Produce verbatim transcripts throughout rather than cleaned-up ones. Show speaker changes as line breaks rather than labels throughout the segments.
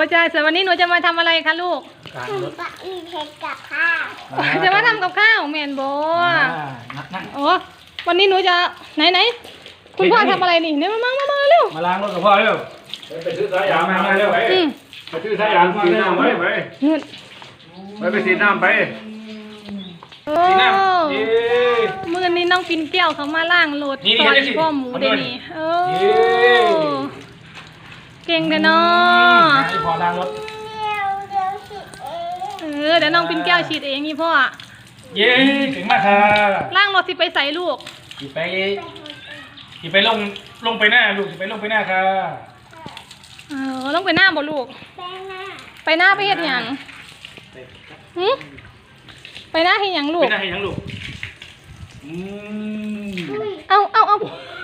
ใช่ส่วนวันนี้หนูจะมาทำอะไรคะลูก
หนูจะมีเผ็ดกับข้าว
จะมาทำกับข้าวแมนโบ
นักนัก
โอ้วันนี้หนูจะไหนไหนคุณพ่อทำอะไรนี่เนี่ยมามามามาเร็ว
มาล้างรถกับพ่อเร็ว
ไปซื้อสายยางมาเร็วไป
อืม
ไปซื้อสายยางสีน้ำไปไป
เงิน
ไปไปสีน้ำไป
โอ้มือนี้น้องปินเกี้ยวเขามาล่างรถซอยพ่อหมูเดนี่เออเก่งเลยเนาะ
พอล้างรถ
เดี๋ยวเดี๋ยวสิเอง
เออเดี๋ยวน้องปินแก้วฉีดเองนี่พ่อ
เย้เก่งมากค่ะ
ล่างรถสิไปใส่ลูก
ขี่ไปขี่ไปลงลงไปหน้าลูกขี่ไปลงไปหน้าค่ะ
เออต้องไปหน้าบ่ลูก
แป้งหน้า
ไปหน้าไปเฮ็ดหยังหืมไปหน้าเฮ็ดหยังลู
ไป
ก
หน้าให้ยังลูกอืม
เอาเอาเอา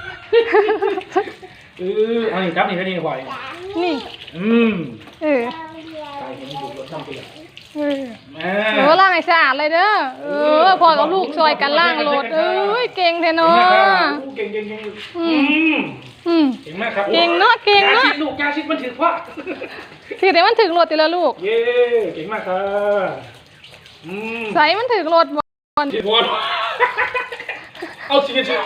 เออเอาอีกครับนี่ก็นี่บ่อย
จาน
นี่
อืม
เออ
เดียว
ตายเห็นดูรถต้องเปลี่ยน
เออ
แม่
เออล่างให้สะอาดเลยเด้อเออพ่อกับลูกช่วยกันล่างรถเอ้ยเก่งแท้เนาะ
เก่งเก่งเก่ง
อื
อื
ม
ม
อืม
เก่งมากครับ
เก่งเนาะเก่ง
ยา
เนาะ
ชิดลูกยาชิดมันถือพ่อ
สิแต่มันถึงรถติละลูก
เย้เก่งมากค่ะอืม
ใส่มันถึงรถบ่
ที่บอลเอาสีกันสิ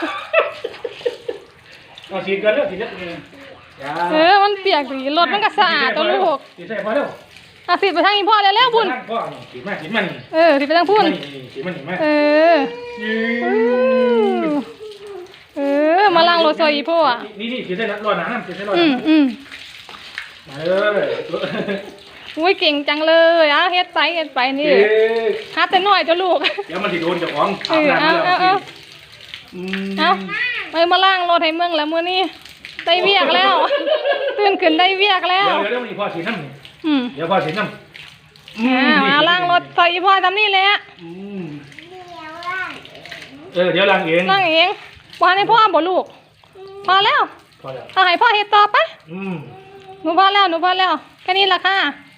เอาสีกันเลือกสีเลือกเอง
เออมันเปียกดีรถมันก็สะอาดตัวลูก
สีใส่พอแล้ว
อ่ะสิไปทางอีพ่อแล้วแล้วบุญ
พ่อสีมาสีมัน
เออสิไปทางพุ่น
สีมันสีมัน
เออ เออ มาล้างรถซอยอีพ่ออ่ะ
นี่นี่สีใส่รอหนาสีใส่รอห
อื
นาม
อืม
มาเลย
อุ้ยเก่งจังเลยอ่ะเฮ็ดไปเฮ็ดไปนี่หาแต่น้อยเจ้าลูก
เดี๋ยวมันถิโดนเจ้าของ
เออเอาเอาเอา
อืม
เอาไปมาล้างรถให้เมืองแล้วมื้อนี้ได้เวียกแล้วตื่นขึ้นได้เวียกแล้ว
เดี๋ยวเดี๋ยวมันพ่อสีน้ำ
อืม
เดี๋ยวพ่อสีน้ำ
อ่ามาล้างรถซอยอีพ่อทำนี่แหละ
อืม
เดียวล่าง
เออเดี๋ยวล้างเอง
ล้างเองบ่ให้พ่อบ่ลูก พอแล้ว
พอแล้ว
เอาให้พ่อเฮ็ดต่อไป
อืม
หนูพอแล้วหนูพอแล้วแค่นี้ล่ะค่ะ